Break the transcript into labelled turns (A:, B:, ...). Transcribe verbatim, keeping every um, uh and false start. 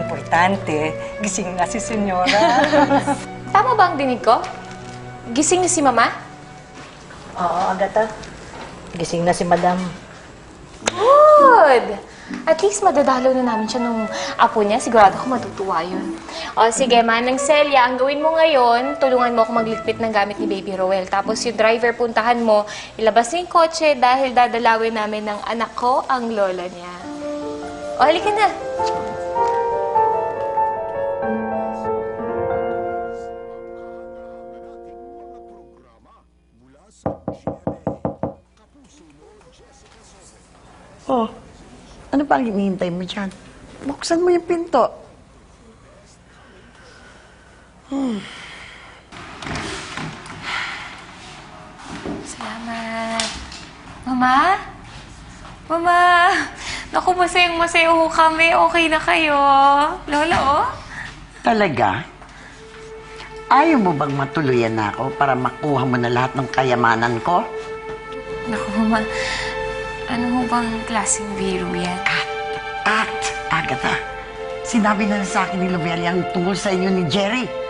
A: Importante, gising na si Senyora.
B: Tama ba ang dinig ko? Gising na si Mama?
C: Oo, Agata. Gising na si Madam.
B: Good! At least madadalaw na namin siya nung apo niya. Sigurado ako matutuwa yun. O sige, Manang Celia, ang gawin mo ngayon, tulungan mo ako magligpit ng gamit ni Baby Roel. Tapos yung driver, puntahan mo, ilabas niya yung kotse dahil dadalawin namin ng anak ko ang lola niya. O, halika na.
D: Oh, ano pa ang hinihintay mo dyan? Buksan mo yung pinto. Hmm.
B: Salamat. Mama? Mama? Naku, masayang-masaya ho kami. Okay na kayo. Lola, oh.
D: Talaga? Ayaw mo bang matuluyan na ako para makuha mo na lahat ng kayamanan ko?
B: Naku, Mama. Ano ho bang klaseng biro yan?
D: At, Agatha, sinabi na sa akin ni Lobelia ang tungkol sa inyo ni Jerry.